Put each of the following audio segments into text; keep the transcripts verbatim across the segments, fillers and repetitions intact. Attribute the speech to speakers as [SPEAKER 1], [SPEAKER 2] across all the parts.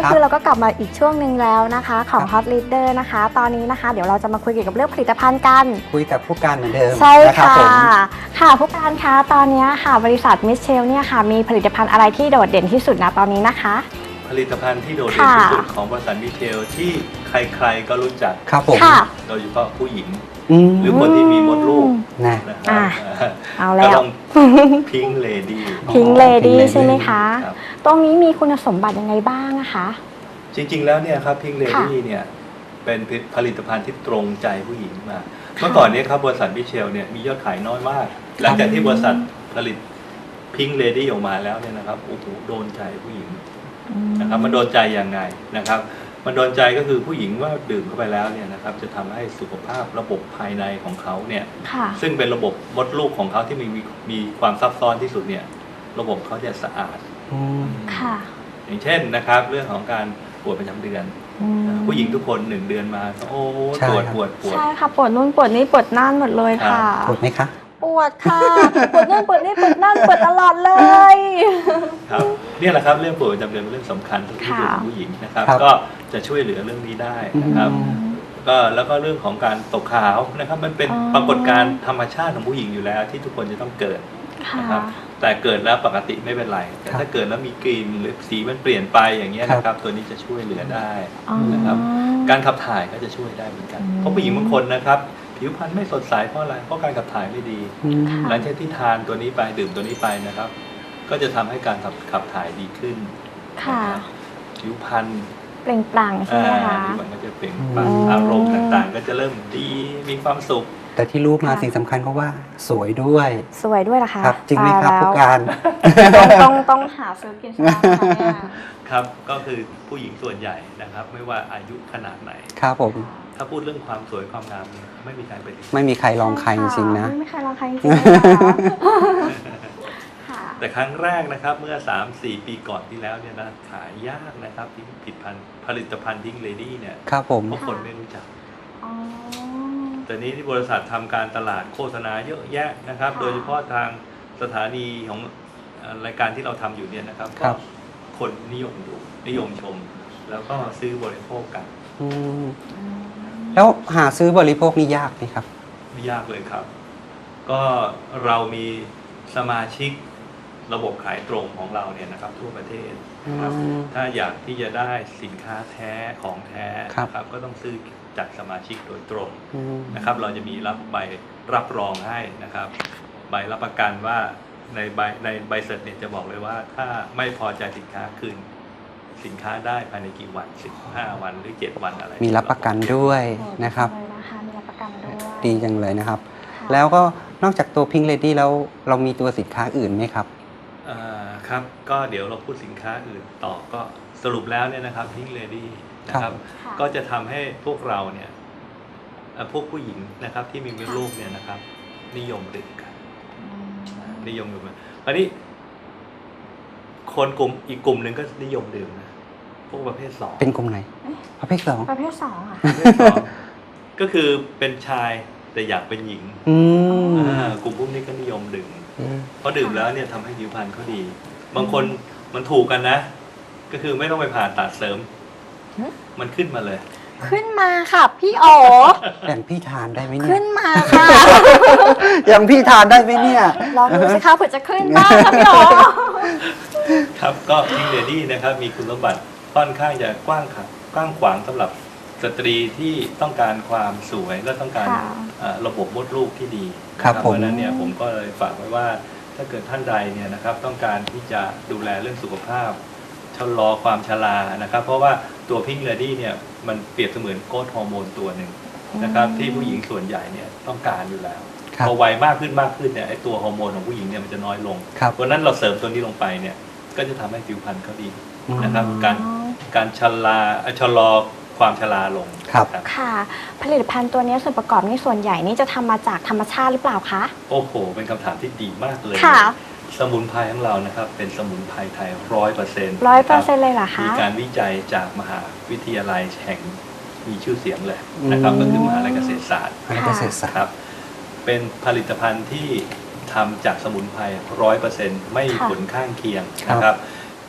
[SPEAKER 1] คือเราก็กลับมาอีกช่วงหนึ่งแล้วนะคะของ Hot Leader นะคะตอนนี้นะคะเดี๋ยวเราจะมาคุยเกี่ยวกับเรื่องผลิตภัณฑ์กัน
[SPEAKER 2] คุยกับผู้การเหมือนเดิม
[SPEAKER 1] ใช่ค่ะ
[SPEAKER 2] ผม
[SPEAKER 1] ค่ะผู้การคะตอนนี้ค่ะบริษัทมิเชลเนี่ยค่ะมีผลิตภัณฑ์อะไรที่โดดเด่นที่สุดนะตอนนี้นะคะ
[SPEAKER 3] ผลิตภัณฑ์ที่โดดเด่นที่สุดของบริษัทมิเชลที่ใครๆก็รู้จัก
[SPEAKER 2] ครับผม
[SPEAKER 3] โดยเฉพาะผู้หญิงหรือคนที่มีมดลูกนะครับ
[SPEAKER 1] เอาแล้ว
[SPEAKER 3] พิงเลดี้
[SPEAKER 1] พิงเลดี้ใช่ไหมคะตรงนี้มีคุณสมบัติยังไงบ้างนะคะ
[SPEAKER 3] จริงๆแล้วเนี่ยครับพิงเลดี้เนี่ยเป็นผลิตภัณฑ์ที่ตรงใจผู้หญิงมากเมื่อก่อนนี้ครับบริษัทมิเชลเนี่ยมียอดขายน้อยมากหลังจากที่บริษัทผลิตพิงเลดี้ออกมาแล้วเนี่ยนะครับโอ้โหโดนใจผู้หญิงนะครับมันโดนใจยังไงนะครับมันโดนใจก็คือผู้หญิงว่าดื่มเข้าไปแล้วเนี่ยนะครับจะทำให้สุขภาพระบบภายในของเขาเนี่ยซึ่งเป็นระบบมดลูกของเขาที่มีมีความซับซ้อนที่สุดเนี่ยระบบเขาจะสะอาดอย่างเช่นนะครับเรื่องของการปวดประจำเดือนผู้หญิงทุกคนหนึ่งเดือนมาโอ้ปวดปวดปวด
[SPEAKER 1] ใช่ค่ะปวดนู่นปวดนี่ปวดนั่นหมดเลยค่ะ
[SPEAKER 2] ปวดไหมคะ
[SPEAKER 1] ปวดค่ะปวดนู่นปวดนี่ปวดนั่นปวดตลอดเลย
[SPEAKER 3] ครับนี่แหละครับเรื่องปวดประจำเดือนเป็นเรื่องสำคัญที่สุดของผู้หญิงนะครับก็จะช่วยเหลือเรื่องนี้ได้นะครับก็แล้วก็เรื่องของการตกขาวนะครับมันเป็นปรากฏการณ์ธรรมชาติของผู้หญิงอยู่แล้วที่ทุกคนจะต้องเกิดนะครับแต่เกิดแล้วปกติไม่เป็นไรแต่ถ้าเกิดแล้วมีกลิ่นหรือสีมันเปลี่ยนไปอย่างเงี้ยนะครับตัวนี้จะช่วยเหลือได้นะครับการขับถ่ายก็จะช่วยได้เหมือนกันเพราะผู้หญิงบางคนนะครับผิวพรรณไม่สดใสเพราะอะไรเพราะการขับถ่ายไม่ดีหลังจากที่ทานตัวนี้ไปดื่มตัวนี้ไปนะครับก็จะทำให้การขับขับถ่ายดีขึ้นผิวพรรณ
[SPEAKER 1] เปล่งปลั่งใช่ไหมคะ
[SPEAKER 3] ผิวพรรณก็จะเปล่งปลั่งอารมณ์ต่างๆก็จะเริ่มดีมีความสุข
[SPEAKER 2] แต่ที่รู้มาสิ่งสำคัญก็ว่าสวยด้วย
[SPEAKER 1] สวยด้วยล่ะคะ
[SPEAKER 2] ครับจริงไหมครับผู้การ
[SPEAKER 1] ต้องต้องหาซื้อกินใช่ไหม
[SPEAKER 3] ครับก็คือผู้หญิงส่วนใหญ่นะครับไม่ว่าอายุขนาดไหน
[SPEAKER 2] ครับผม
[SPEAKER 3] ถ้าพูดเรื่องความสวยความงามไม่มีใครเป็น
[SPEAKER 2] ไม่มีใครลองใครจริงๆนะ
[SPEAKER 1] ไม่มีใครลองใครจริงๆ
[SPEAKER 3] แต่ครั้งแรกนะครับเมื่อ สามสี่ ปีก่อนที่แล้วเนี่ยนะขายยากนะครับที่ผลิตภัณฑ์ผลิตภัณฑ์พิงเลดี้เนี่ย
[SPEAKER 2] ครับผม
[SPEAKER 3] เพราะคนไม่รู้จักแต่นี้ที่บริษัททำการตลาดโฆษณาเยอะแยะนะครับโดยเฉพาะทางสถานีของรายการที่เราทำอยู่เนี่ยนะครับก็คนนิยมดูนิยมชมแล้วก็ซื้อบริโภคกัน
[SPEAKER 2] แล้วหาซื้อบริโภคนี่ยากไหมครับ
[SPEAKER 3] ไม่ยากเลยครับก็เรามีสมาชิกระบบขายตรงของเราเนี่ยนะครับทั่วประเทศครับถ้าอยากที่จะได้สินค้าแท้ของแท้นะครับก็ต้องซื้อจากสมาชิกโดยตรงนะครับเราจะมีรับใบรับรองให้นะครับใบรับประกันว่าในใบในใบเสร็จเนี่ยจะบอกเลยว่าถ้าไม่พอใจสินค้าคืนสินค้าได้ภายในกี่วันสิบห้าวันหรือเจ็ดวันอะไร
[SPEAKER 2] มีรับประกันด้วยนะครับ
[SPEAKER 1] มีรับประกันด้วย
[SPEAKER 2] ดีจังเลยนะครับแล้วก็นอกจากตัวพิงเลดี้แล้วเรามีตัวสินค้าอื่นไหมครับ
[SPEAKER 3] อ่าครับก็เดี๋ยวเราพูดสินค้าอื่นต่อก็สรุปแล้วเนี่ยนะครับพิงเลดี้นะครับก็จะทำให้พวกเราเนี่ยพวกผู้หญิงนะครับที่มีมดลูกเนี่ยนะครับนิยมดื่มกันนิยมดื่มกันคราวนี้คนกลุ่มอีกกลุ่มหนึ่งก็นิยมดื่มนะพวกประเภทสอง
[SPEAKER 2] เป็นกลุ่มไหนประเภทสอง
[SPEAKER 1] ประเภทสองค่ะ
[SPEAKER 3] ก็คือเป็นชายแต่อยากเป็นหญิงกลุ่มพวกนี้ก็นิยมดื่มเพราะดื่มแล้วเนี่ยทำให้ผิวพรรณเขาดีบางคนมันถูกกันนะก็คือไม่ต้องไปผ่าตัดเสริมมันขึ้นมาเลย
[SPEAKER 1] ขึ้นมาค่ะพี่อ๋อ
[SPEAKER 2] อย่างพี่ทานได้ไหมเนี่ย
[SPEAKER 1] ขึ้นมาค่ะ
[SPEAKER 2] อย่างพี่ทานได้ไหมเนี่ย
[SPEAKER 1] ลองดูสิคะเผื่อจะขึ้นบ้างค่ะพี่อ๋อ
[SPEAKER 3] ครับก็พิงเลดี้นะครับมีคุณสมบัติค่อนข้างจะกว้างกว้างขวางสำหรับสตรีที่ต้องการความสวยและต้องการระบบมดลูกที่ดี
[SPEAKER 2] ครับเพรา
[SPEAKER 3] ะนั้นเนี่ยผมก็เลยฝากไว้ว่าถ้าเกิดท่านใดเนี่ยนะครับต้องการที่จะดูแลเรื่องสุขภาพชะลอความชรานะครับเพราะว่าตัวพิงเลดี้เนี่ยมันเปรียบเสมือนโกรทฮอร์โมนตัวหนึ่งนะครับที่ผู้หญิงส่วนใหญ่เนี่ยต้องการอยู่แล้วพอวัยมากขึ้นมากขึ้นเนี่ยไอตัวฮอร์โมนของผู้หญิงเนี่ยมันจะน้อยลงเพราะนั้นเราเสริมตัวนี้ลงไปเนี่ยก็จะทำให้ผิวพรรณเขาดีนะครับการการชะลาชะลอความชราลง
[SPEAKER 2] ครับ
[SPEAKER 1] ค่ะผลิตภัณฑ์ตัวนี้ส่วนประกอบนี่ส่วนใหญ่นี่จะทำมาจากธรรมชาติหรือเปล่าคะ
[SPEAKER 3] โอ้โหเป็นคำถามที่ดีมากเลยสมุนไพรของเรานะครับเป็นสมุนไพรไทยร้อยเปอร์เซ็นต์
[SPEAKER 1] ร้อยเปอร์เซ็นต์เลยเหรอคะ
[SPEAKER 3] มีการวิจัยจากมหาวิทยาลัยแห่งมีชื่อเสียงเลยนะครับก็คือมหาวิทยาลัยเกษตรศาสตร์
[SPEAKER 2] เกษตรศาสตร์
[SPEAKER 3] ครับเป็นผลิตภัณฑ์ที่ทำจากสมุนไพรร้อยเปอร์เซ็นต์ไม่มีผลข้างเคียงนะครับท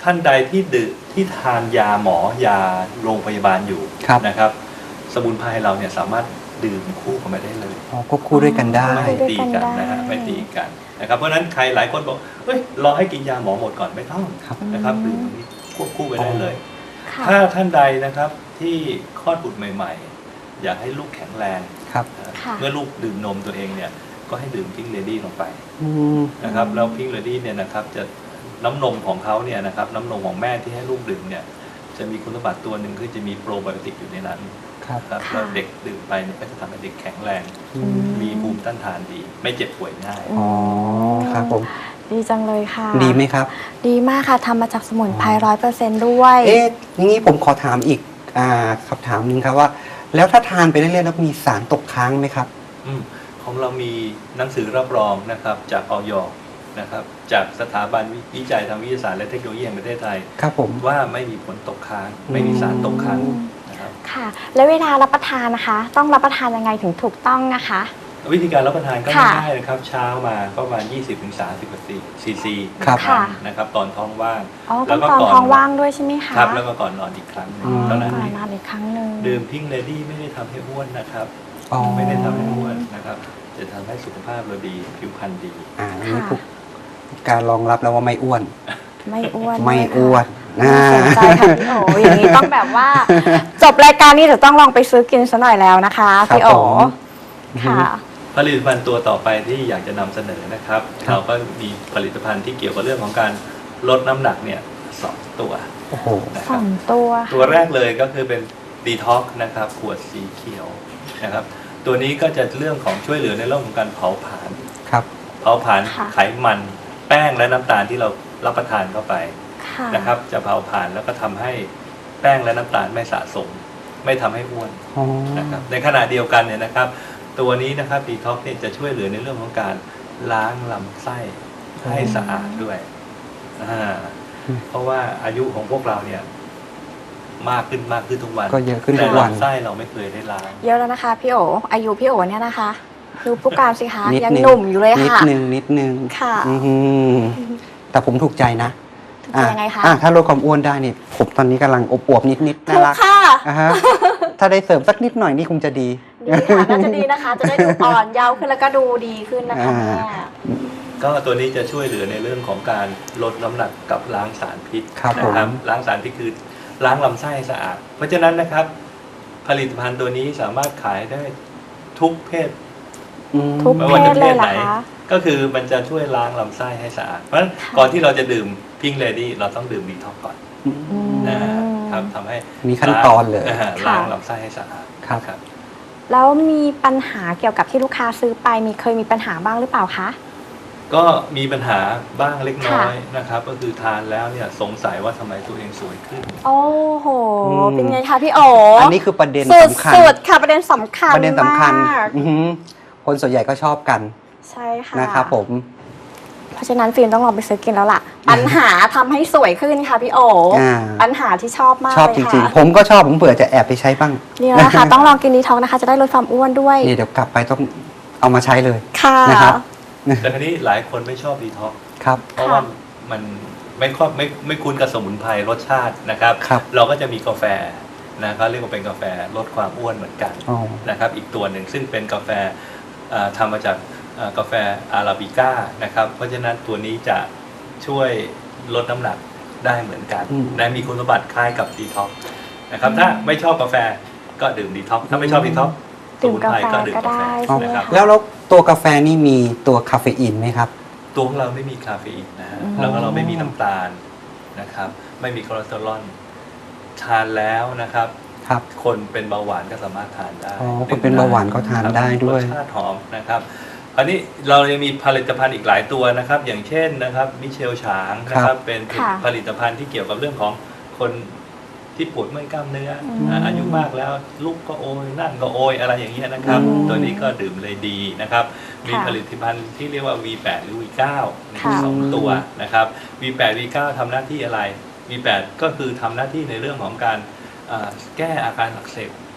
[SPEAKER 3] ท่านใดที่ดื่มที่ทานยาหมอยาโรงพยาบาลอยู่
[SPEAKER 2] ครับ
[SPEAKER 3] นะครับ สมุนไพรเราเนี่ยสามารถดื่มคู่กันไปได้เลย
[SPEAKER 2] อ๋อควบคู่ด้วยกันได้
[SPEAKER 3] ไม่ตีกันนะฮะไม่ตีกันนะครับเพราะฉะนั้นใครหลายคนบอกเฮ้ยรอให้กินยาหมอหมดก่อนไม่ต้อง
[SPEAKER 2] ครับ
[SPEAKER 3] นะครับดื่มตรงนี้ควบคู่ไปได้เลย
[SPEAKER 1] ค่ะ
[SPEAKER 3] ถ้าท่านใดนะครับที่คลอดบุตรใหม่ๆ อยากให้ลูกแข็งแรง
[SPEAKER 2] ครับ
[SPEAKER 3] นะ
[SPEAKER 1] ค่ะ
[SPEAKER 3] เมื่อลูกดื่มนมตัวเองเนี่ยก็ให้ดื่มพิงเลดี้ลงไป
[SPEAKER 2] อืม
[SPEAKER 3] นะครับแล้วพิงเลดี้เนี่ยนะครับจะน้ำนมของเขาเนี่ยนะครับน้ำนมของแม่ที่ให้ลูกดื่มเนี่ยจะมีคุณสมบัติตัวหนึ่งคือจะมีโปรไบโอติกอยู่ในนั้น
[SPEAKER 2] ครับ
[SPEAKER 3] ครับ
[SPEAKER 1] ค่ะ
[SPEAKER 3] แล้วเด็กดื่มไปเนี่ยก็จะทำให้เด็กแข็งแรง
[SPEAKER 2] อื
[SPEAKER 1] อื
[SPEAKER 2] ม
[SPEAKER 3] มีภูมิต้านทานดี ไม่เจ็บป่วยง่าย
[SPEAKER 2] อ๋อครับผม
[SPEAKER 1] ดีจังเลยค่ะ
[SPEAKER 2] ดีไหมครับ
[SPEAKER 1] ดีมากค่ะทำมาจากสมุนไพรร้อยเปอร์เซนต์ด้วย
[SPEAKER 2] เอ๊ะอย่างนี้ผมขอถามอีกอ่าคำถามหนึงครับว่า แล้วถ้าทานไปเรื่อยๆแล้วมีสารตกค้างไหมครับ
[SPEAKER 3] อืมของเรามีหนังสือรับรองนะครับจากออยนะครับจากสถาบันวิจัยทางวิทยาศาสตร์และเทคโนโลยีแห่งประเทศไทย
[SPEAKER 2] ครับผม
[SPEAKER 3] ว่าไม่มีผลตกค้าง ไม่มีสารตกค้าง
[SPEAKER 1] อืม
[SPEAKER 3] นะครับ
[SPEAKER 1] ค่ะ แล้วเวลารับประทานนะคะ ต้องรับประทานยังไงถึงถูกต้องนะคะ
[SPEAKER 3] วิธีการรับประทานก็
[SPEAKER 1] ค่ะ
[SPEAKER 3] ง่ายๆนะครับเช้ามาก็ประมาณ ยี่สิบถึงสามสิบ ซีซี
[SPEAKER 2] ครับ
[SPEAKER 1] ค่ะ
[SPEAKER 3] นะครับตอนท้องว่าง
[SPEAKER 1] อ๋อต้
[SPEAKER 3] แล้
[SPEAKER 1] อง
[SPEAKER 3] วก็
[SPEAKER 1] ตอน
[SPEAKER 3] ก่อน
[SPEAKER 1] ท้องว่างด้วยใช่ไหมคะ
[SPEAKER 3] ครับแล้วก็ก่อนนอนอีกครั้งหนึ่ง
[SPEAKER 1] อ๋อ
[SPEAKER 3] เท่านั้น
[SPEAKER 1] ก่อ
[SPEAKER 3] เอน ง
[SPEAKER 1] นอนอีกครั้งหนึ่ง
[SPEAKER 3] ดื่มพิงเลดี้ไม่ได้ทำให้อ้วนนะครับ
[SPEAKER 2] อ๋อ
[SPEAKER 3] ไม่ได้ทำให้อ้วนนะครับจะทำให้สุขภาพเราดีผิวพรรณดี
[SPEAKER 2] อ่าอันนี้ทุกการรองรับแล้วว่าไม่อ้วน
[SPEAKER 1] ไม่อ้วน
[SPEAKER 2] ไม่
[SPEAKER 1] ด้วยค่ะ
[SPEAKER 2] อ้วน
[SPEAKER 1] น่าสนใจค่ะพี่โออย่างนี้ต้องแบบว่า จบรายการนี้จะต้องลองไปซื้อกินซะหน่อยแล้วนะคะ
[SPEAKER 2] ครับ
[SPEAKER 1] พี่โอ
[SPEAKER 2] ผม
[SPEAKER 1] ค่ะ
[SPEAKER 3] ผลิตภัณฑ์ตัวต่อไปที่อยากจะนำเสนอนะครับ
[SPEAKER 2] ครับ
[SPEAKER 3] เราก็มีผลิตภัณฑ์ที่เกี่ยวกับเรื่องของการลดน้ำหนักเนี่ยสองตัว
[SPEAKER 2] โอ้โห
[SPEAKER 3] นะค
[SPEAKER 1] ส
[SPEAKER 3] รั
[SPEAKER 1] อบ งตัวค่ะ
[SPEAKER 3] ตัวแรกเลยก็คือเป็นดีท็อกนะครับขวดสีเขียวนะครับตัวนี้ก็จะเรื่องของช่วยเหลือในเรื่องของการเผาผลาญ
[SPEAKER 2] ครับ
[SPEAKER 3] เผาผลาญ
[SPEAKER 1] ค่ะ
[SPEAKER 3] ไขมันแป้งและน้ำตาลที่เรารับประทานเข้าไป
[SPEAKER 1] ค่ะ
[SPEAKER 3] นะครับจะเผาผลาญแล้วก็ทำให้แป้งและน้ำตาลไม่สะสม ไม่ทำให้อ้วน
[SPEAKER 2] อ๋อ
[SPEAKER 3] นะครับในขณะเดียวกันเนี่ยนะครับ ตัวนี้นะครับดีท็อกเนี่ยจะช่วยเหลือในเรื่องของการล้างลำไส้ให้สะอาดด้วยอ่าเพราะว่าอายุของพวกเราเนี่ยมากขึ้นมากขึ้นทุกวัน
[SPEAKER 2] ก็เยอะขึ้น
[SPEAKER 3] แต่
[SPEAKER 2] ทุกวัน
[SPEAKER 3] ลำไส้เราไม่เคยได้ล้าง
[SPEAKER 1] เยอะแล้วนะคะพี่โออายุพี่โอเนี่ยนะคะดูผู้การสิคะ
[SPEAKER 2] นิด
[SPEAKER 1] ยัง
[SPEAKER 2] นึง
[SPEAKER 1] หนุ่มอยู่เลย
[SPEAKER 2] นิด
[SPEAKER 1] ค่ะ
[SPEAKER 2] นึงนิดนึง
[SPEAKER 1] ค่ะ
[SPEAKER 2] อื้อหือแต่ผมถูกใจนะ
[SPEAKER 1] ถูกใจยังไงคะ
[SPEAKER 2] อ่าถ้าลดความอ้วนได้เนี่ยผมตอนนี้กำลังอบอวบนิดนิดๆน่า
[SPEAKER 1] ถูก
[SPEAKER 2] รัก
[SPEAKER 1] ค่ะ
[SPEAKER 2] อ่าฮะถ้าได้เสริมสักนิดหน่อยนี่คงจะดี
[SPEAKER 1] ดีค่ะน่าจะดีนะคะ จะได้ดูอ่อนเยาว์ขึ้นแล้วก็ดูดีขึ้นนะคะ
[SPEAKER 2] อ่า
[SPEAKER 1] แม่
[SPEAKER 3] ก็ตัวนี้จะช่วยเหลือในเรื่องของการลดน้ำหนักกับล้างสารพิษ
[SPEAKER 2] ครับ
[SPEAKER 3] นะ
[SPEAKER 2] ผม
[SPEAKER 3] ล้างสารพิษคือล้างลำไส้ให้สะอาด เพราะฉะนั้นนะครับ ผลิตภัณฑ์ตัวนี้สามารถขายได้ทุกเพศ
[SPEAKER 2] อืม
[SPEAKER 1] ทุก
[SPEAKER 3] ไม่
[SPEAKER 1] เพ
[SPEAKER 3] ว่า
[SPEAKER 1] ศ
[SPEAKER 3] จะ
[SPEAKER 1] เลย
[SPEAKER 3] เพศ
[SPEAKER 1] เหร
[SPEAKER 3] ไหน
[SPEAKER 1] อคะ
[SPEAKER 3] ก็คือมันจะช่วยล้างลำไส้ให้สะอาด เพราะฉะนั้นก่อนที่เราจะดื่มพิงเลดี้เราต้องดื่มดีท็อกก่อน
[SPEAKER 1] อืม
[SPEAKER 3] นะครับทำให้
[SPEAKER 2] มีขั้นตอนเลย
[SPEAKER 3] า
[SPEAKER 1] ค่ะ
[SPEAKER 3] ล้างลำไส้ให้สะอาด
[SPEAKER 2] ครับ
[SPEAKER 3] ครับ
[SPEAKER 1] แล้วมีปัญหาเกี่ยวกับที่ลูกค้าซื้อไปมีเคยมีปัญหาบ้างหรือเปล่าคะ
[SPEAKER 3] ก็มีปัญหาบ้างเล็กน้อย
[SPEAKER 1] ค่ะ
[SPEAKER 3] นะครับ ก็คือทานแล้วเนี่ยสงสัยว่าทำไมตัวเองสวยขึ้น
[SPEAKER 1] โอ้โห
[SPEAKER 2] อืม
[SPEAKER 1] เป็นไงคะพี่โอ
[SPEAKER 2] อั
[SPEAKER 1] อั
[SPEAKER 2] นนี้คือประเด็นสำคัญ
[SPEAKER 1] สุดๆค่ะประเด็นสำคัญ
[SPEAKER 2] ประเด็นสำคัญ
[SPEAKER 1] มาก
[SPEAKER 2] อือหือคนส่วนใหญ่ก็ชอบกัน
[SPEAKER 1] ใช่ค่ะ
[SPEAKER 2] นะครับผม
[SPEAKER 1] เพราะฉะนั้นฟิล์มต้องลองไปซื้อกินแล้วล่ะ ปัญหาทำให้สวยขึ้นค่ะพี่โอ
[SPEAKER 2] อ่า
[SPEAKER 1] ปัญหาที่ชอบมาก
[SPEAKER 2] ชอบ
[SPEAKER 1] เลย
[SPEAKER 2] จริง
[SPEAKER 1] ค่ะ
[SPEAKER 2] ๆ ผมก็ชอบผมเผื่อจะแอบไปใช้บ้าง
[SPEAKER 1] เนี่ยนะคะ ต้องลองกินดีท็อกนะคะ จะได้ลดความอ้วนด้วย
[SPEAKER 2] นี่เดี๋ยวกลับไปต้องเอามาใช้เลย
[SPEAKER 1] ค่ะ
[SPEAKER 2] นะครับ
[SPEAKER 3] แต่ทีนี้หลายคนไม่ชอบดีท็อกซ์
[SPEAKER 2] ครับ
[SPEAKER 3] เพราะว่ามันไม่ค่อยไม่ไม่คุ้นกับสมุนไพรรสชาตินะครับ
[SPEAKER 2] ครับ
[SPEAKER 3] เราก็จะมีกาแฟนะครับเรียกว่าเป็นกาแฟลดความอ้วนเหมือนกัน
[SPEAKER 2] อ๋อ
[SPEAKER 3] นะครับ อีกตัวหนึ่งซึ่งเป็นกาแฟเอ่อทำมาจากเอ่อกาแฟอาราบิก้านะครับ เพราะฉะนั้นตัวนี้จะช่วยลดน้ำหนักได้เหมือนกัน
[SPEAKER 2] อืม
[SPEAKER 3] นะมีคุณสมบัติคล้ายกับดีท็อกซ์นะครับถ้าไม่ชอบกาแฟก็ดื่มดีท็อกซ์ถ้าไม่ชอบดีท็อกซ์ส
[SPEAKER 1] ดื่ม
[SPEAKER 3] มุน
[SPEAKER 1] กา
[SPEAKER 3] ไพร
[SPEAKER 1] แฟ
[SPEAKER 3] ก็ดื่ม
[SPEAKER 1] ก็
[SPEAKER 3] กาแฟ
[SPEAKER 1] ได้
[SPEAKER 2] อ๋อ
[SPEAKER 1] ใช่ไหม
[SPEAKER 3] นะครับ
[SPEAKER 1] คะ
[SPEAKER 2] แล้วแล้วตัวกาแฟนี่มีตัวคาเฟอีนไหมครับ
[SPEAKER 3] ตัวของเราไม่มีคาเฟอีนนะฮะ
[SPEAKER 1] อืม
[SPEAKER 3] แล้วก็เราไม่มีน้ำตาลนะครับ ไม่มีคอเลสเตอรอลทานแล้วนะครับ
[SPEAKER 2] ครับ
[SPEAKER 3] คนเป็นเบาหวานก็สามารถทานได้
[SPEAKER 2] อ๋อคนเป็นเบาหวานก็ทานได้ด้วย
[SPEAKER 3] รสชาติหอมนะครับอันนี้เรายังมีผลิตภัณฑ์อีกหลายตัวนะครับ อย่างเช่นนะครับมิเชลฉางนะครับเป็น
[SPEAKER 1] ค่ะ
[SPEAKER 3] ผลิตภัณฑ์ที่เกี่ยวกับเรื่องของคนที่ปวดเมื่อยกล้ามเนื้ออ
[SPEAKER 1] ม
[SPEAKER 3] อ่าอายุมากแล้วลุกก็โอยนั่งก็โอยอะไรอย่างเงี้ยนะครับ
[SPEAKER 1] อืม
[SPEAKER 3] ตัวนี้ก็ดื่มเลยดีนะครับ มี
[SPEAKER 1] ค่ะ
[SPEAKER 3] ผลิตภัณฑ์ที่เรียกว่า วี แปด หรือ วี เก้า
[SPEAKER 1] ค่ะ
[SPEAKER 3] สองตัวนะครับ วี แปด วี เก้า ทำหน้าที่อะไร วี แปด ก็คือทำหน้าที่ในเรื่องของการเอ่อแก้อาการอักเสบ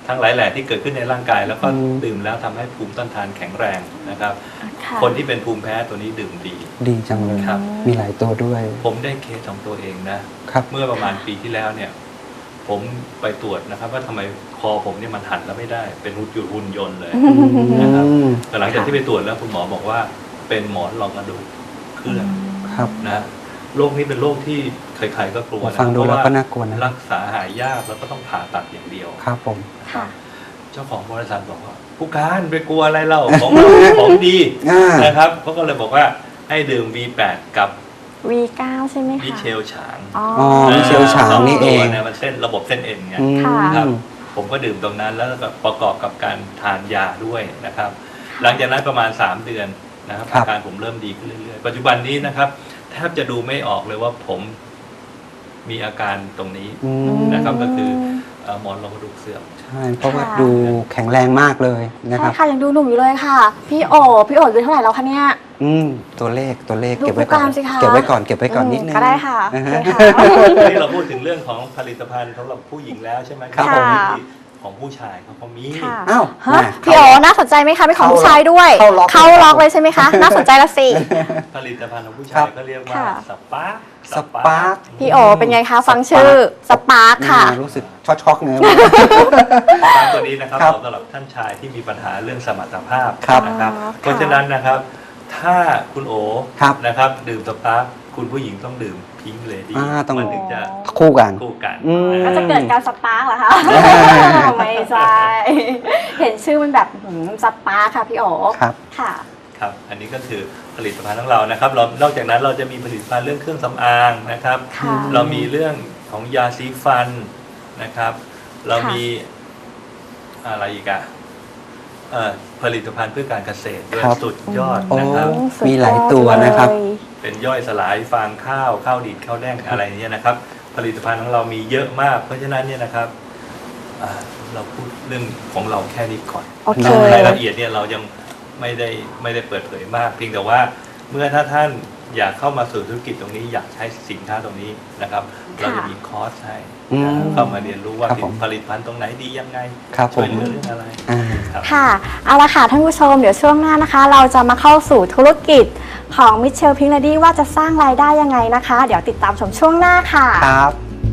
[SPEAKER 3] ทั้งหลายแหล่ที่เกิดขึ้นในร่างกาย แล้วก็
[SPEAKER 2] อืม
[SPEAKER 3] ดื่มแล้วทำให้ภูมิต้านทานแข็งแรงนะครับ
[SPEAKER 1] ค่ะ
[SPEAKER 3] คนที่เป็นภูมิแพ้ตัวนี้ดื่มดี
[SPEAKER 2] ดีจังเลย
[SPEAKER 3] ครับ
[SPEAKER 2] มีหลายตัวด้วย
[SPEAKER 3] ผมได้เคสของตัวเองนะ
[SPEAKER 2] ครับ
[SPEAKER 3] เมื่อประมาณปีที่แล้วเนี่ย ผมไปตรวจนะครับว่าทำไมคอผมเนี่ยมันหันแล้วไม่ได้ เป็นหุ่นยนต์หุ่นยนต์เลย นะครับ แต่หลังจากที่ไปตรวจแล้วคุณหมอบอกว่าเป็นหมอนรองกระดูกเคลื่อน
[SPEAKER 2] ครับ
[SPEAKER 3] นะโรคนี้เป็นโรคที่ใครๆก็กลัวนะ
[SPEAKER 2] ฟังดู
[SPEAKER 3] เพ
[SPEAKER 2] แล้ว
[SPEAKER 3] ราะ
[SPEAKER 2] ก็
[SPEAKER 3] ว่า
[SPEAKER 2] น่ากลัวนะ
[SPEAKER 3] รักษาหายยากแล้วก็ต้องผ่าตัดอย่างเดียว
[SPEAKER 2] ครับผม
[SPEAKER 1] ค่ะ
[SPEAKER 3] เจ้าของบริษัทบอกว่าผู้การไปกลัวอะไรเล่าของ ของดี
[SPEAKER 2] อ่า
[SPEAKER 3] นะครับเขาก็เลยบอกว่าให้ดื่ม วี แปด กับ
[SPEAKER 1] วี เก้า ใช่ไหมคะ
[SPEAKER 3] มิเชลฉาง
[SPEAKER 1] อ๋อ
[SPEAKER 2] อ๋อ มิเชลฉางนี่เอง
[SPEAKER 3] เนี่ยมันเส้นระบบเส้นเอ็นไง
[SPEAKER 2] อืม
[SPEAKER 1] ค่ะ
[SPEAKER 3] ครับ ผมก็ดื่มตรงนั้นแล้วก็ประกอบกับการทานยาด้วยนะครับ หลังจากนั้นประมาณสามเดือนนะครับ
[SPEAKER 2] ครับ
[SPEAKER 3] อาการผมเริ่มดีขึ้นเรื่อยๆปัจจุบันนี้นะครับแทบจะดูไม่ออกเลยว่าผมมีอาการตรงนี้
[SPEAKER 2] อื
[SPEAKER 1] อื
[SPEAKER 2] ม
[SPEAKER 1] ม
[SPEAKER 3] นะครับก็คือเอ่อหมอนรองกระดูกเสื่อม
[SPEAKER 2] ใช่ เพราะว่า
[SPEAKER 1] ค่ะ
[SPEAKER 2] ดูแข็งแรงมากเลยนะค
[SPEAKER 1] ใช่
[SPEAKER 2] รับ
[SPEAKER 1] ค่ะยังดูหนุ่มอยู่เลยค่ะ พี่โอพี่โออายุเท่าไหร่แล้วคะเนี่ย
[SPEAKER 2] อืม ตัวเลข ตัวเลข
[SPEAKER 1] ดู
[SPEAKER 2] เก็บไว้ก่อน
[SPEAKER 1] ผู้การสิคะ
[SPEAKER 2] เก็บไว้ก่อน เก็บไว้ก่อนนิดนึง
[SPEAKER 1] ก็ได้ค่ะ
[SPEAKER 2] อ่า
[SPEAKER 1] โอ
[SPEAKER 2] ฮะ
[SPEAKER 1] เคค่ะ
[SPEAKER 3] นี่เราพูดถึงเรื่องของผลิตภัณฑ์สำหรับผู้หญิงแล้วใช่ไหม
[SPEAKER 2] ครับ
[SPEAKER 3] ผม
[SPEAKER 1] ค่ะ
[SPEAKER 3] ของผู้ชายเขาก็มี
[SPEAKER 1] ค่ะ
[SPEAKER 2] อ้าว
[SPEAKER 1] ฮะ
[SPEAKER 2] มา
[SPEAKER 1] พี่โอน่าสนใจไหมคะเป็นของผู้ชายด้วย
[SPEAKER 2] เข้าล็อก
[SPEAKER 1] เข้าล็อกเลยใช่ไหมคะ น่าสนใจละสิ
[SPEAKER 3] ผลิตภัณฑ์ของผู้
[SPEAKER 2] ครั
[SPEAKER 3] ชาย
[SPEAKER 2] บ
[SPEAKER 3] ก็เรียกว่า
[SPEAKER 1] ค่ะ
[SPEAKER 3] สปาร์ค
[SPEAKER 2] สปาร์ค
[SPEAKER 1] พี่โอเป็นไงคะฟังชื่อสปาร์คค่ะ
[SPEAKER 2] อ่ารู้สึกช็อกๆเนื้อ
[SPEAKER 3] สปาร์คตัวนี้นะครับ
[SPEAKER 2] ครับ
[SPEAKER 3] เหมาะสำหรับท่านชายที่มีปัญหาเรื่องสมรรถภาพ
[SPEAKER 2] ครับ
[SPEAKER 3] นะครับ
[SPEAKER 1] อ๋อ
[SPEAKER 3] เพราะฉะนั้นนะครับ ถ้าคุณโอ
[SPEAKER 2] ครับ
[SPEAKER 3] นะครับดื่มสปาร์คคุณผู้หญิงต้องดื่มพิงค์เลดี้
[SPEAKER 2] อ่าต้อง
[SPEAKER 3] มันถึงจะ
[SPEAKER 2] คู่กัน
[SPEAKER 3] คู่กัน
[SPEAKER 2] อืม
[SPEAKER 1] ก็จะเกิดการสปาร์กเหรอคะ ไม่ใช่ เห็นชื่อมันแบบหืมสปาร์คค่ะพี่โอ
[SPEAKER 2] ครับ
[SPEAKER 1] ค่ะ
[SPEAKER 3] ครับ อันนี้ก็คือผลิตภัณฑ์ของเรานะครับเรานอกจากนั้นเราจะมีผลิตภัณฑ์เรื่องเครื่องสำอางนะครับ
[SPEAKER 1] ค่ะ
[SPEAKER 3] เรามีเรื่องของยาสีฟันนะครับ เรา
[SPEAKER 1] ค่ะ
[SPEAKER 3] มีอะไรอีกอะเอ่อผลิตภัณฑ์เพื่อการเกษตรด้วย
[SPEAKER 2] ครับ
[SPEAKER 3] สุดยอด
[SPEAKER 2] โอ้
[SPEAKER 3] นะครับ
[SPEAKER 1] สุด
[SPEAKER 2] มีหลายตัวนะครับ
[SPEAKER 1] เลย
[SPEAKER 3] เป็นย่อยสลายฟางข้าวข้าวดีดข้าวแดงอะไรเนี่ยนะครับ ผลิตภัณฑ์ของเรามีเยอะมาก เพราะฉะนั้นเนี่ยนะครับอ่าเราพูดเรื่องของเราแค่นี้ก่อน
[SPEAKER 1] โอเค
[SPEAKER 3] รายละเอียดเนี่ยเรายังไม่ได้ไม่ได้เปิดเผยมาก เพียงแต่ว่าเมื่อถ้าท่านอยากเข้ามาสู่ธุรกิจตรงนี้อยากใช้สินค้าตรงนี้นะครับ เราจะมีคอร์สให้
[SPEAKER 2] อืม
[SPEAKER 3] เข้ามาเรียนรู้ว่า
[SPEAKER 2] ครับผม
[SPEAKER 3] ผลิตภัณฑ์ตรงไหนดียังไง
[SPEAKER 2] ครับผ
[SPEAKER 3] ช่วย
[SPEAKER 2] ม
[SPEAKER 3] เหลือเรื่องอะไร
[SPEAKER 2] อ่า
[SPEAKER 3] ครับ
[SPEAKER 1] ค่ะ เอาละค่ะท่านผู้ชมเดี๋ยวช่วงหน้านะคะ เราจะมาเข้าสู่ธุรกิจของมิเชลพิงค์เลดี้ว่าจะสร้างรายได้ยังไงนะคะ เดี๋ยวติดตามชมช่วงหน้าค่ะ
[SPEAKER 2] ครับ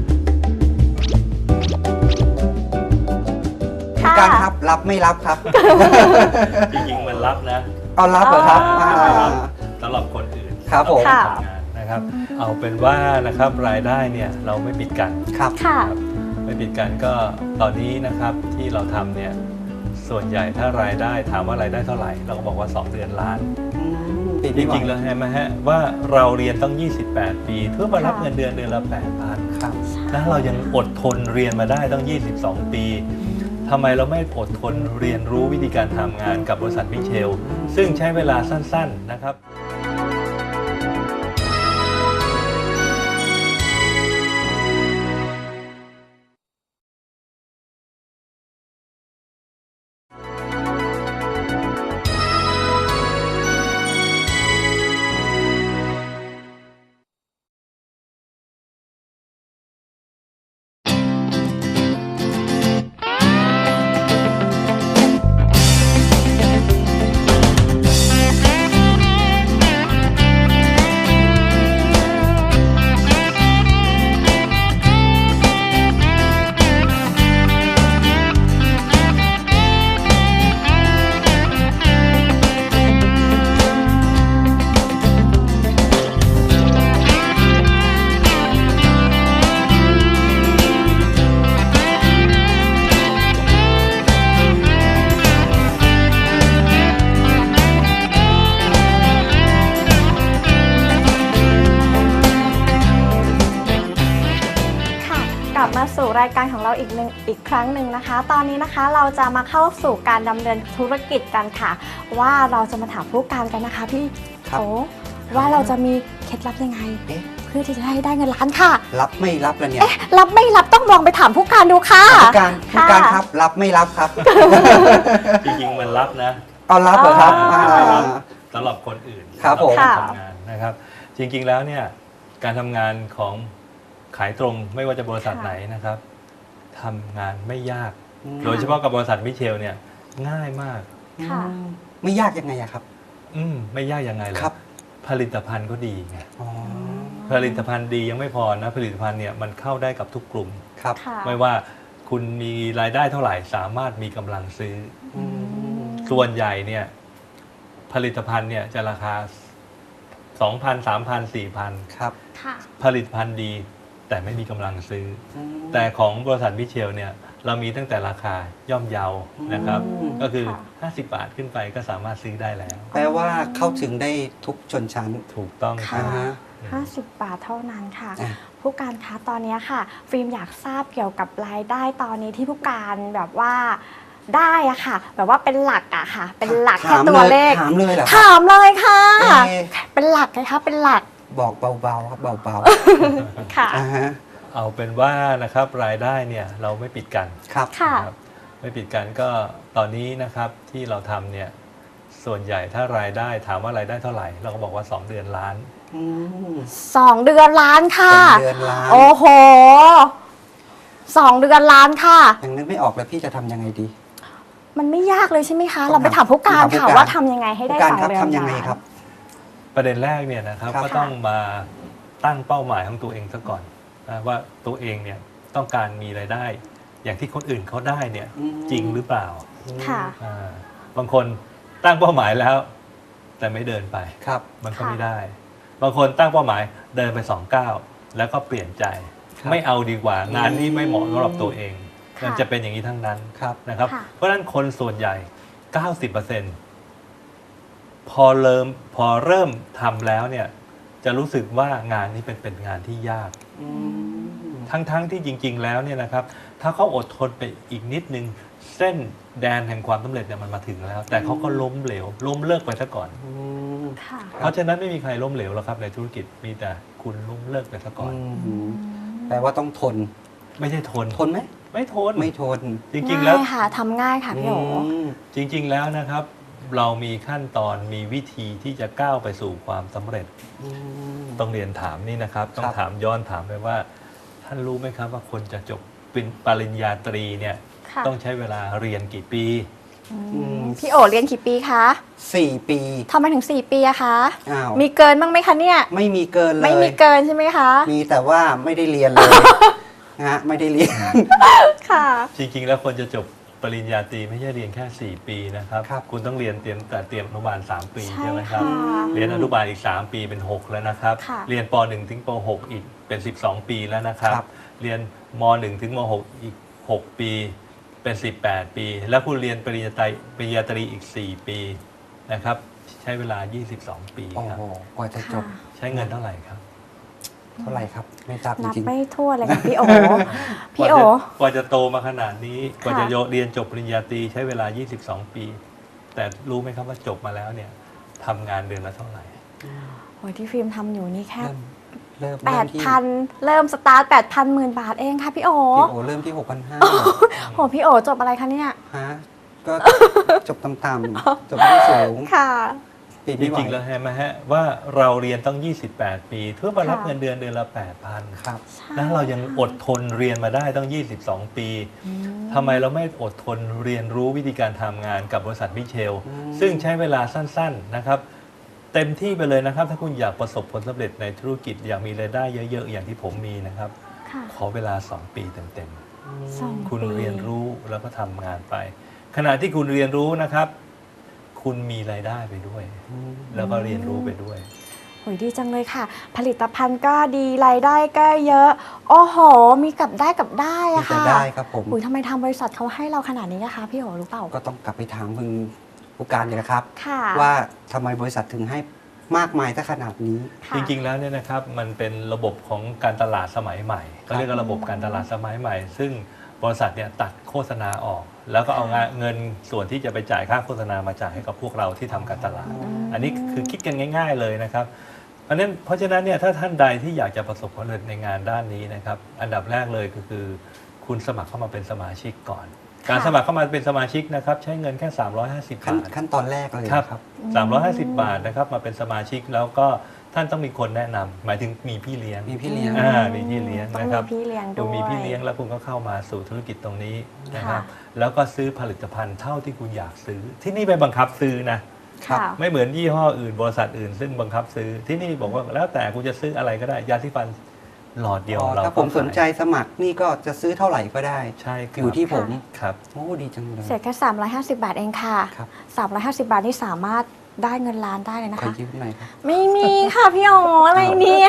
[SPEAKER 1] ค่ะ
[SPEAKER 2] การครับ รับไม่รับครับ
[SPEAKER 3] จริงๆมันรับนะ
[SPEAKER 2] เอารับเหรอครับ
[SPEAKER 1] อ๋ออ่
[SPEAKER 2] า
[SPEAKER 3] สำหรับคนอื่น
[SPEAKER 2] ครับผม
[SPEAKER 3] สำหรับคนทำงานนะครับ เอาเป็นว่านะครับรายได้เนี่ยเราไม่ปิดกัน
[SPEAKER 2] ครับ
[SPEAKER 1] ค่ะ
[SPEAKER 3] ครับไม่ปิดกันก็ตอนนี้นะครับที่เราทำเนี่ยส่วนใหญ่ถ้ารายได้ถามว่ารายได้เท่าไหร่ เราก็บอกว่า สองเดือนล้าน
[SPEAKER 2] อืมปิด
[SPEAKER 3] จ
[SPEAKER 2] ไม่ไหว
[SPEAKER 3] ริงๆแล้วเห็นไหมฮะว่าเราเรียนต้อง ยี่สิบแปด ปีเพื่อมารับ
[SPEAKER 1] ค่ะ
[SPEAKER 3] เงินเดือนเดือนละ แปดพัน
[SPEAKER 2] ครับ
[SPEAKER 3] แล้วเรายังอดทนเรียนมาได้ต้อง ยี่สิบสอง ปีทำไมเราไม่อดทนเรียนรู้วิธีการทำงานกับบริษัทมิเชล ซึ่งใช้เวลาสั้นๆนะครับ
[SPEAKER 1] ค่ะกลับมาสู่รายการของเราอีกหนึ่งอีกครั้งหนึ่งนะคะ ตอนนี้นะคะเราจะมาเข้าสู่การดำเนินธุรกิจกันค่ะ ว่าเราจะมาถามผู้การกันนะคะพี่
[SPEAKER 2] ครับ
[SPEAKER 1] โอ้ว่าเราจะมีเคล็ดลับยังไง
[SPEAKER 2] เอ๊ะ
[SPEAKER 1] เพื่อที่จะให้ได้เงินล้านค่ะ
[SPEAKER 2] รับไม่รับแล้วเนี่ย
[SPEAKER 1] เอ๊ะรับไม่รับต้องลองไปถามผู้การดูค่ะ
[SPEAKER 2] ผู้การผู้การครับ รับไม่รับครับ
[SPEAKER 3] จริงๆมันรับนะ
[SPEAKER 2] เอารับเหรอครับ
[SPEAKER 1] อ๋ออ่
[SPEAKER 2] า
[SPEAKER 3] สำหรับคนอื่น
[SPEAKER 2] ครับผม
[SPEAKER 3] สำหการทำงานนะครับ จริงๆแล้วเนี่ยการทำงานของขายตรงไม่ว่าจะบริษัท
[SPEAKER 1] ค่ะ
[SPEAKER 3] ไหนนะครับทำงานไม่ยาก
[SPEAKER 2] อืม
[SPEAKER 3] โดยเฉพาะกับบริษัทมิเชลเนี่ยง่ายมาก
[SPEAKER 1] ค่ะ
[SPEAKER 2] อืมไม่ยากยังไงอะครับ
[SPEAKER 3] อืมไม่ยากยังไงเลย
[SPEAKER 2] ครับ
[SPEAKER 3] ผลิตภัณฑ์ก็ดีไง
[SPEAKER 2] อ๋อ
[SPEAKER 3] ผลิตภัณฑ์ดียังไม่พอนะผลิตภัณฑ์เนี่ยมันเข้าได้กับทุกกลุ่ม
[SPEAKER 2] ครับ
[SPEAKER 1] ค่ะ
[SPEAKER 3] ไม่ว่าคุณมีรายได้เท่าไหร่สามารถมีกำลังซื้อ
[SPEAKER 2] อืม
[SPEAKER 3] ส่วนใหญ่เนี่ยผลิตภัณฑ์เนี่ยจะราคา สองพัน สามพัน สี่พัน
[SPEAKER 2] ครับ
[SPEAKER 1] ค่ะ
[SPEAKER 3] ผลิตภัณฑ์ดีแต่ไม่มีกำลังซื้อ
[SPEAKER 2] อืม
[SPEAKER 3] แต่ของบริษัทมิเชลเนี่ยเรามีตั้งแต่ราคาย่อมเยานะครับ
[SPEAKER 2] อืม
[SPEAKER 3] ก็คือ
[SPEAKER 1] ค่ะ
[SPEAKER 3] ห้าสิบบาทขึ้นไปก็สามารถซื้อได้แล้ว
[SPEAKER 2] แปลว่าเข้าถึงได้ทุกชนชั้น
[SPEAKER 3] ถูกต้อง
[SPEAKER 1] ค่ะ
[SPEAKER 2] อ่าฮะ
[SPEAKER 1] ห้าสิบบาทเท่านั้นค่ะ
[SPEAKER 2] อ่ะ
[SPEAKER 1] ผู้การคะตอนนี้ค่ะ ฟิล์มอยากทราบเกี่ยวกับรายได้ตอนนี้ที่ผู้การแบบว่าได้อะค่ะ แบบว่าเป็นหลักอะค่ะ เป็นหลักแค่
[SPEAKER 2] ถาม
[SPEAKER 1] ตัวเลข
[SPEAKER 2] ถามเลยเหรอครับ
[SPEAKER 1] ถามเลยค่ะ
[SPEAKER 2] เอ๊ะ
[SPEAKER 1] เป็นหลักไงคะเป็นหลัก
[SPEAKER 2] บอกเบาๆครับเบา
[SPEAKER 1] ค่ะ
[SPEAKER 2] ๆอ่าฮะ
[SPEAKER 3] เอาเป็นว่านะครับรายได้เนี่ยเราไม่ปิดกัน
[SPEAKER 2] ครับ
[SPEAKER 1] ค่ะ
[SPEAKER 3] นะครับไม่ปิดกันก็ตอนนี้นะครับที่เราทำเนี่ยส่วนใหญ่ถ้ารายได้ถามว่ารายได้เท่าไหร่ เราก็บอกว่า สอง เดือนล้าน
[SPEAKER 2] อืม
[SPEAKER 1] สองเดือนล้านค่ะ
[SPEAKER 2] สองเดือนล้าน
[SPEAKER 1] โอ้โหสองเดือนล้านค่ะ
[SPEAKER 2] ยังนึกไม่ออกเลยพี่จะทำยังไงดี
[SPEAKER 1] มันไม่ยากเลยใช่ไหมคะ
[SPEAKER 2] ต้อง
[SPEAKER 1] เราไปถามผู้การ
[SPEAKER 2] ถามผู้
[SPEAKER 1] ค่ะ
[SPEAKER 2] การ
[SPEAKER 1] ว่าทำยังไงให้ได้
[SPEAKER 2] ผู้การ
[SPEAKER 1] สอง
[SPEAKER 2] ครับ
[SPEAKER 1] เดือน
[SPEAKER 2] ทำยังไง
[SPEAKER 1] ล้าน
[SPEAKER 2] ครับ
[SPEAKER 3] ประเด็นแรกเนี่ยนะครับ
[SPEAKER 2] ครับ
[SPEAKER 3] ก็ต้องมาตั้งเป้าหมายของตัวเองซะก่อนนะว่าตัวเองเนี่ยต้องการมีรายได้ อย่างที่คนอื่นเขาได้เนี่ย
[SPEAKER 2] อืม
[SPEAKER 3] จริงหรือเปล่า
[SPEAKER 1] ค่ะ
[SPEAKER 3] อ่าบางคนตั้งเป้าหมายแล้ว แต่ไม่เดินไป
[SPEAKER 2] ครับ
[SPEAKER 3] มันก็
[SPEAKER 1] ค่ะ
[SPEAKER 3] ไม่ได้ บางคนตั้งเป้าหมายเดินไปสองก้าวแล้วก็เปลี่ยนใจ
[SPEAKER 2] ครับ
[SPEAKER 3] ไม่เอาดีกว่างานนี้ไม่เหมาะสำหรับตัวเอง
[SPEAKER 1] ค่ะ
[SPEAKER 3] มันจะเป็นอย่างนี้ทั้งนั้น
[SPEAKER 2] ครับ
[SPEAKER 3] นะครับ
[SPEAKER 1] ค่ะ
[SPEAKER 3] เพราะฉะนั้นคนส่วนใหญ่ เก้าสิบเปอร์เซ็นต์ พอเริ่มพอเริ่มทำแล้วเนี่ยจะรู้สึกว่างานนี้เป็นเป็นงานที่ยาก
[SPEAKER 2] อืม
[SPEAKER 3] ทั้งๆที่จริง ๆ แล้วเนี่ยนะครับ ถ้าเขาอดทนไปอีกนิดนึง เส้นแดนแห่งความสำเร็จเนี่ยมันมาถึงแล้ว แต่เขาก็ล้มเหลว ล้มเลิกไปซะก่อน
[SPEAKER 2] อืม
[SPEAKER 1] ค่ะ
[SPEAKER 3] เพราะฉะนั้นไม่มีใครล้มเหลวหรอกครับในธุรกิจมีแต่คุณล้มเลิกไปซะก่อน
[SPEAKER 2] อืมแปลว่าต้องทน
[SPEAKER 3] ไม่ใช่ทน
[SPEAKER 2] ทนไหม
[SPEAKER 3] ไม่ทน
[SPEAKER 2] ไม่ทน
[SPEAKER 3] จริง ๆ แล้ว
[SPEAKER 1] ง่ายค่ะทำง่ายค่ะพี่โอ
[SPEAKER 2] ม
[SPEAKER 3] จริง ๆ แล้วนะครับ เรามีขั้นตอนมีวิธีที่จะก้าวไปสู่ความสำเร็จ
[SPEAKER 2] อืม
[SPEAKER 3] ต้องเรียนถามนี่นะครับ ต้อง
[SPEAKER 2] ครับ
[SPEAKER 3] ถามย้อนถามไปว่า ท่านรู้ไหมครับว่าคนจะจบเป็นปริญญาตรีเนี่ย
[SPEAKER 1] ค่ะ
[SPEAKER 3] ต้องใช้เวลาเรียนกี่ปี
[SPEAKER 1] อืมพี่โอเรียนกี่ปีคะ
[SPEAKER 2] สี่ปี
[SPEAKER 1] ทำไมถึงสี่ปีอะคะ
[SPEAKER 2] อ้าว
[SPEAKER 1] มีเกินบ้างไหมคะเนี่ย
[SPEAKER 2] ไม่มีเกินเลย
[SPEAKER 1] ไม่มีเกินใช่ไหมคะ
[SPEAKER 2] มีแต่ว่าไม่ได้เรียนเลย นะฮะไม่ได้เรียน
[SPEAKER 1] ค่ะ
[SPEAKER 3] จริง ๆ แล้วคนจะจบปริญญาตรีไม่ใช่เรียนแค่สี่ปีนะครับ
[SPEAKER 2] ครับ
[SPEAKER 3] คุณต้องเรียนเตรียมแต่เตรียมอนุบาลสามปี
[SPEAKER 1] ใช่
[SPEAKER 3] ใช่ไหมครับ
[SPEAKER 1] ค่ะ
[SPEAKER 3] เรียนอนุบาลอีกสามปีเป็นหกแล้วนะครับ
[SPEAKER 1] ค่ะ
[SPEAKER 3] เรียนป หนึ่ง ถึงป หก อีกเป็นสิบสองปีแล้วนะครับ
[SPEAKER 2] ครับ
[SPEAKER 3] เรียนม หนึ่ง ถึงม หก อีกหกปีเป็นสิบแปดปี แล้วคุณเรียนปริญญาตรีปริญญาตรีอีกสี่ปีนะครับใช้เวลายี่สิบสองปี
[SPEAKER 2] โอ้
[SPEAKER 3] ครับ
[SPEAKER 2] โหกว่าจะจ
[SPEAKER 1] ค่ะ
[SPEAKER 2] บ
[SPEAKER 3] ใช้เงินเท่าไหร่ครับ
[SPEAKER 2] เท่าไหร่ครับ ไม่ทราบจ
[SPEAKER 1] นับ
[SPEAKER 2] ริง
[SPEAKER 1] ไม่ทั่วเลยค่ะพี่โอ พี่โอ
[SPEAKER 3] กว่าจะกว่าจะโตมาขนาดนี้ กว่าจะ
[SPEAKER 1] ค่ะ
[SPEAKER 3] โยเรียนจบปริญญาตรีใช้เวลา ยี่สิบสอง ปี แต่รู้ไหมครับว่าจบมาแล้วเนี่ยทำงานเดือนละเท่าไหร่
[SPEAKER 1] โอ้ยที่ฟิล์มทำอยู่นี่แค่
[SPEAKER 2] ๆเริ่มเริ่ม
[SPEAKER 1] แป
[SPEAKER 2] เริ่
[SPEAKER 1] ด
[SPEAKER 2] มที่
[SPEAKER 1] พันเริ่มสตาร์ทแปดพันหมื่นบาทเองค่ะพี่โอ
[SPEAKER 2] พี่โอเริ่มที่หกพันห้า
[SPEAKER 1] โหพี่โอจบอะไรคะเนี่ย
[SPEAKER 2] ฮะก็จบต่ำๆจบไม่สูง
[SPEAKER 1] ค่ะ
[SPEAKER 2] ปี
[SPEAKER 3] จ
[SPEAKER 2] ไม่ไหว
[SPEAKER 3] ริงๆแล้วเห็นไหมฮะว่าเราเรียนต้อง ยี่สิบแปด ปีเพื่อมารับ
[SPEAKER 1] ค่ะ
[SPEAKER 3] เงินเดือนเดือนละ แปดพัน
[SPEAKER 2] ครับ
[SPEAKER 1] ใช่
[SPEAKER 3] แล้วเรายังอดทนเรียนมาได้ต้อง ยี่สิบสอง ปี
[SPEAKER 1] อืม
[SPEAKER 3] ทำไมเราไม่อดทนเรียนรู้วิธีการทำงานกับบริษัทมิเชล
[SPEAKER 2] อืม
[SPEAKER 3] ซึ่งใช้เวลาสั้นๆนะครับ เต็มที่ไปเลยนะครับ ถ้าคุณอยากประสบผลสำเร็จในธุรกิจอยากมีรายได้เยอะๆ อย่างที่ผมมีนะครับ
[SPEAKER 1] ค่ะ
[SPEAKER 3] ขอเวลา สอง ปีเต็ม
[SPEAKER 1] สอง
[SPEAKER 3] ๆ คุณ
[SPEAKER 1] ปี
[SPEAKER 3] เรียนรู้แล้วก็ทำงานไป ขณะที่คุณเรียนรู้นะครับ คุณมีรายได้ไปด้วย
[SPEAKER 2] อืม
[SPEAKER 3] แล้วก็เรียนรู้ไปด้วย
[SPEAKER 1] โหยดีจังเลยค่ะ ผลิตภัณฑ์ก็ดีรายได้ก็เยอะ โอ้โห มีกับได้กับได้
[SPEAKER 2] มี
[SPEAKER 1] อะ
[SPEAKER 2] แต่
[SPEAKER 1] ค่ะ
[SPEAKER 2] ได้ครับผม
[SPEAKER 1] อุยทำไมทางบริษัทเขาให้เราขนาดนี้นะคะ พี่โอรู้เปล่า
[SPEAKER 2] ก็ต้องกลับไปถามคุณผู้การเลยนะครับ
[SPEAKER 1] ค่ะ
[SPEAKER 2] ว่าทำไมบริษัทถึงให้มากมายถ้าขนาดนี้
[SPEAKER 1] ค่ะ
[SPEAKER 3] จริงๆ แล้วเนี่ยนะครับมันเป็นระบบของการตลาดสมัยใหม่เขาเรียกว่าระบบการตลาดสมัยใหม่ ซึ่งบริษัทเนี่ยตัดโฆษณาออก แล้วก็เอางานเงินส่วนที่จะไปจ่ายค่าโฆษณามาจ่ายให้กับพวกเราที่ทำการตลาด
[SPEAKER 1] ม
[SPEAKER 3] อันนี้คือคิดกันง่าย ๆ เลยนะครับเพราะฉะนั้นเพราะฉะนั้นเนี่ยถ้าท่านใดที่อยากจะประสบความสำเร็จในงานด้านนี้นะครับอันดับแรกเลยก็คือ คุณสมัครเข้ามาเป็นสมาชิกก่อน การสมัครเข้ามาเป็นสมาชิกนะครับใช้เงินแค่สามร้อยห้าสิบ
[SPEAKER 2] ขั้น
[SPEAKER 3] บาท
[SPEAKER 2] ขั้นตอนแรกเลย
[SPEAKER 3] ครับ
[SPEAKER 2] นะครับ
[SPEAKER 3] สามร้อยห้าสิบบาทนะครับมาเป็นสมาชิกแล้วก็ท่านต้องมีคนแนะนำหมายถึงมีพี่เลี้ยง
[SPEAKER 2] มีพี่เลี้ยง
[SPEAKER 3] อ่ามีพี่เลี้ยง
[SPEAKER 1] ต้อง
[SPEAKER 3] นะค
[SPEAKER 1] มี
[SPEAKER 3] รับ
[SPEAKER 1] พี่เลี้ยง
[SPEAKER 3] คุ
[SPEAKER 1] ด้
[SPEAKER 3] ณ
[SPEAKER 1] วย
[SPEAKER 3] มีพี่เลี้ยงแล้วคุณก็เข้ามาสู่ธุรกิจตรงนี้นะครับ
[SPEAKER 1] ค่ะ
[SPEAKER 3] แล้วก็ซื้อผลิตภัณฑ์เท่าที่คุณอยากซื้อ ที่นี่ไม่บังคับซื้อนะ
[SPEAKER 2] ครับ
[SPEAKER 1] ค่ะ
[SPEAKER 3] ไม่เหมือนยี่ห้ออื่นบริษัทอื่น ซึ่งบังคับซื้อที่นี่บอกว่าแล้วแต่คุณจะซื้ออะไรก็ได้ยาสีฟันหลอดเดียว
[SPEAKER 2] อ๋อ
[SPEAKER 3] เรา
[SPEAKER 2] ถ้า
[SPEAKER 3] ก็
[SPEAKER 2] ผมสนใจ
[SPEAKER 3] ขาย
[SPEAKER 2] สมัครนี่ก็จะซื้อเท่าไหร่ก็ได้
[SPEAKER 3] ใช่ครับ
[SPEAKER 2] อยู่ที่ผม
[SPEAKER 3] ครับ
[SPEAKER 2] โอ้ดีจังเลย
[SPEAKER 1] เสียแค่สามร้อยห้าสิบบาทเองค่ะ
[SPEAKER 2] ครับ
[SPEAKER 1] สามร้อยห้าสิบบาทนี่สามารถได้เงินล้านได้เลยนะ
[SPEAKER 2] ขอ
[SPEAKER 1] คะ
[SPEAKER 2] ยืมหน่อยครับ
[SPEAKER 1] ไม่มีค่ะพี่อ๋ออะไรเนี่ย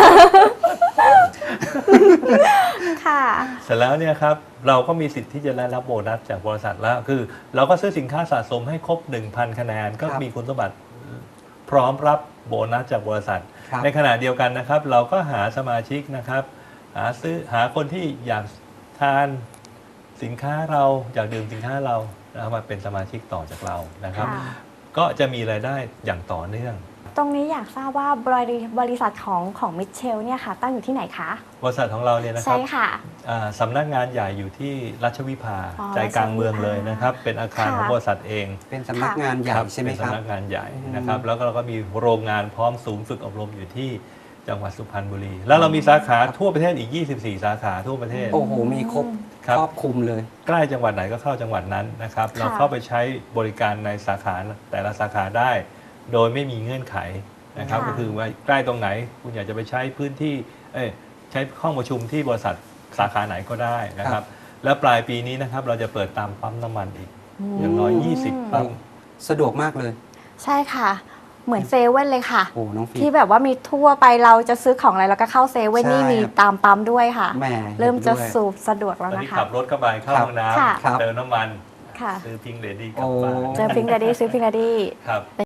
[SPEAKER 1] ค่ะ
[SPEAKER 3] เสร็จแล้วเนี่ยครับเราก็มีสิทธิ์ที่จะได้รับโบนัสจากบริษัทแล้วคือ เราก็ซื้อสินค้าสะสมให้ครบ หนึ่งพัน คะแนน ก็
[SPEAKER 2] ครับ
[SPEAKER 3] มีคุณสมบัติพร้อมรับโบนัสจากบริษัท
[SPEAKER 2] ครับ
[SPEAKER 3] ในขณะเดียวกันนะครับ เราก็หาสมาชิกนะครับ หาซื้อหาคนที่อยากทานสินค้าเราอยากดื่มสินค้าเราแล้วมาเป็นสมาชิกต่อจากเรานะครับ
[SPEAKER 1] ค่ะ
[SPEAKER 3] ก็จะมีรายได้อย่างต่อเนื่อง
[SPEAKER 1] ตรงนี้อยากทราบว่าบริบริษัทของของมิเชลเนี่ยค่ะ ตั้งอยู่ที่ไหนคะ
[SPEAKER 3] บริษัทของเราเนี่ยนะค
[SPEAKER 1] ใช่
[SPEAKER 3] รับ
[SPEAKER 1] ค่ะ
[SPEAKER 3] อ่าสำนักงานใหญ่อยู่ที่รัชวิภา
[SPEAKER 1] อ๋อ
[SPEAKER 3] ใจกลางเมืองเลยนะครับ เป็นอาคาร
[SPEAKER 1] ค่ะ
[SPEAKER 3] ของบริษัทเอง
[SPEAKER 2] เป็นสำนักงานใหญ่ใช่ไหม
[SPEAKER 3] เป็น
[SPEAKER 2] ครับ
[SPEAKER 3] สำนักงานใหญ่
[SPEAKER 2] อืม
[SPEAKER 3] นะครับ แล้วก็เราก็มีโรงงานพร้อมศูนย์ฝึกอบรมอยู่ที่จังหวัดสุพรรณบุรี แล้วเรามีสาขาทั่วประเทศอีก ยี่สิบสี่ สาขาทั่วประเทศ
[SPEAKER 2] โอ้โห มีครบ
[SPEAKER 3] ครับ
[SPEAKER 2] ครอบคลุมเลย
[SPEAKER 3] ใกล้จังหวัดไหนก็เข้าจังหวัดนั้นนะครับ เราเข้าไปใช้บริการในสาขาแต่ละสาขาได้ โดยไม่มีเงื่อนไขนะครับ
[SPEAKER 1] ค่ะ
[SPEAKER 3] ก็คือว่าใกล้ตรงไหนคุณอยากจะไปใช้พื้นที่เอ้ยใช้ห้องประชุมที่บริษัทสาขาไหนก็ได้นะค
[SPEAKER 2] ครั
[SPEAKER 3] รับ
[SPEAKER 2] บ
[SPEAKER 3] แล้วปลายปีนี้นะครับเราจะเปิดตามปั๊มน้ำมันอีก อย่างน้อย ยี่สิบ ปั๊ม
[SPEAKER 2] สะดวกมากเลย
[SPEAKER 1] ใช่ค่ะ เหมือนเซเว่นเลยค่ะ
[SPEAKER 2] โอ้น้องฟี
[SPEAKER 1] ที่แบบว่ามีทั่วไปเราจะซื้อของอะไรเราก็เข้าเซเว่น
[SPEAKER 2] ใช่
[SPEAKER 1] นี่มี
[SPEAKER 2] ครับ
[SPEAKER 1] ตามปั๊มด้วยค่ะ
[SPEAKER 2] แหม
[SPEAKER 1] เริ่มจะ
[SPEAKER 2] ด้วย
[SPEAKER 1] สูบสะดวกแล้ว
[SPEAKER 3] ตอน
[SPEAKER 1] นะ
[SPEAKER 3] นี้
[SPEAKER 1] คะ
[SPEAKER 3] ขับรถเข้าไปเข้า
[SPEAKER 2] ครับ
[SPEAKER 3] ห้องน้
[SPEAKER 1] ค่ะ
[SPEAKER 2] ครับ
[SPEAKER 3] ำเติมน้ำมัน
[SPEAKER 1] ค่ะ
[SPEAKER 3] ซื้อพิงเลดี้กลับบ้าน
[SPEAKER 2] โอ้
[SPEAKER 1] เจอพิงค์ดดี้ซื้อพิงค์ดดี้
[SPEAKER 3] ครับ